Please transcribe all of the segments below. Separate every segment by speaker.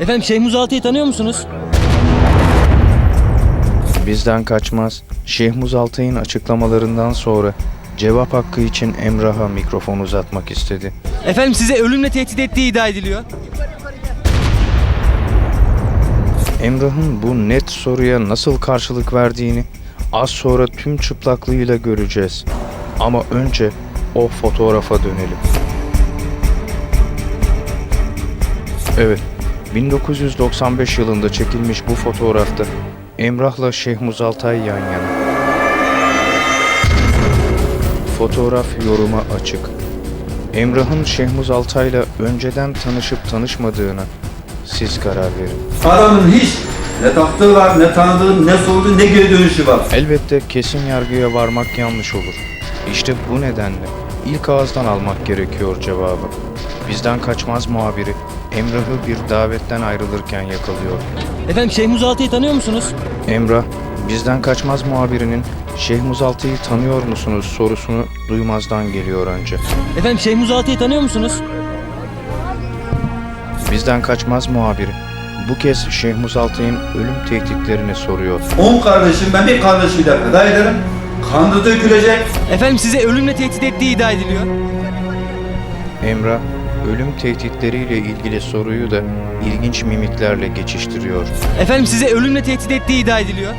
Speaker 1: Efendim Şeyh Muzaltı'yı tanıyor musunuz?
Speaker 2: Bizden kaçmaz. Şeyh Muzaltı'nın açıklamalarından sonra cevap hakkı için Emrah'a mikrofon uzatmak istedi.
Speaker 1: Efendim size ölümle tehdit ettiği iddia ediliyor.
Speaker 2: Emrah'ın bu net soruya nasıl karşılık verdiğini az sonra tüm çıplaklığıyla göreceğiz. Ama önce o fotoğrafa dönelim. Evet, 1995 yılında çekilmiş bu fotoğrafta Emrah'la Şeyh Muzaltay yan yana. Fotoğraf yoruma açık. Emrah'ın Şeyh Muzaltay'la önceden tanışıp tanışmadığına siz karar verin.
Speaker 3: Adamın hiç ne taktığı var, ne tanıdığı, ne sorduğu, ne geri dönüşü var.
Speaker 2: Elbette kesin yargıya varmak yanlış olur. İşte bu nedenle ilk ağızdan almak gerekiyor cevabı. Bizden kaçmaz muhabiri Emrah'ı bir davetten ayrılırken yakalıyor.
Speaker 1: Efendim Şeyh Muzaltı'yı tanıyor musunuz?
Speaker 2: Emrah, bizden kaçmaz muhabirinin Şeyh Muzaltı'yı tanıyor musunuz sorusunu duymazdan geliyor önce.
Speaker 1: Efendim Şeyh Muzaltı'yı tanıyor musunuz?
Speaker 2: Bizden kaçmaz muhabiri bu kez Şeyh Muzaltı'nın ölüm tehditlerini soruyor.
Speaker 3: 10 kardeşim, ben bir kardeşimi de feda ederim. Kanı dökülecek.
Speaker 1: Efendim size ölümle tehdit ettiği iddia ediliyor.
Speaker 2: Emrah, ölüm tehditleriyle ilgili soruyu da ilginç mimiklerle geçiştiriyor.
Speaker 1: Efendim size ölümle tehdit ettiği iddia ediliyor.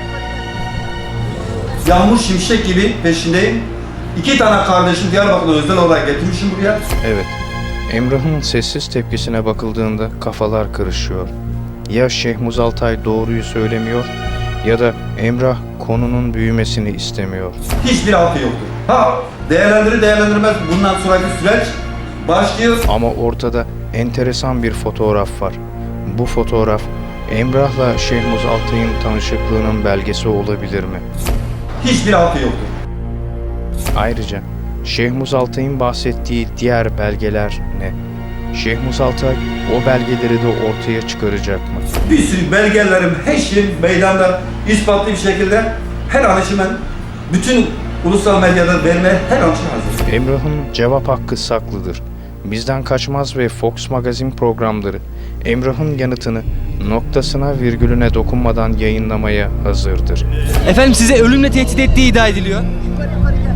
Speaker 3: Yağmur şimşek gibi peşindeyim. 2 tane kardeşim Diyarbakır'da özel olarak getirmişim buraya.
Speaker 2: Evet, Emrah'ın sessiz tepkisine bakıldığında kafalar karışıyor. Ya Şeyh Muzaltay doğruyu söylemiyor ya da Emrah konunun büyümesini istemiyor.
Speaker 3: Hiçbir altı yoktur. Ha, değerlendirir değerlendirmez bundan sonraki süreç başlıyor.
Speaker 2: Ama ortada enteresan bir fotoğraf var. Bu fotoğraf Emrah'la Şeyh Muzaltay'ın tanışıklığının belgesi olabilir mi?
Speaker 3: Hiçbir altı yoktur.
Speaker 2: Ayrıca Şeyh Muzaltay'ın bahsettiği diğer belgeler ne? Şeyh Muzaltay o belgeleri de ortaya çıkaracak mı?
Speaker 3: Bir sürü belgelerim, her şeyim meydanda ispatlı bir şekilde her an için ben bütün ulusal medyada vermeye her an için hazır.
Speaker 2: Emrah'ın cevap hakkı saklıdır. Bizden kaçmaz ve Fox Magazine programları Emrah'ın yanıtını noktasına virgülüne dokunmadan yayınlamaya hazırdır.
Speaker 1: Efendim size ölümle tehdit ettiği iddia ediliyor.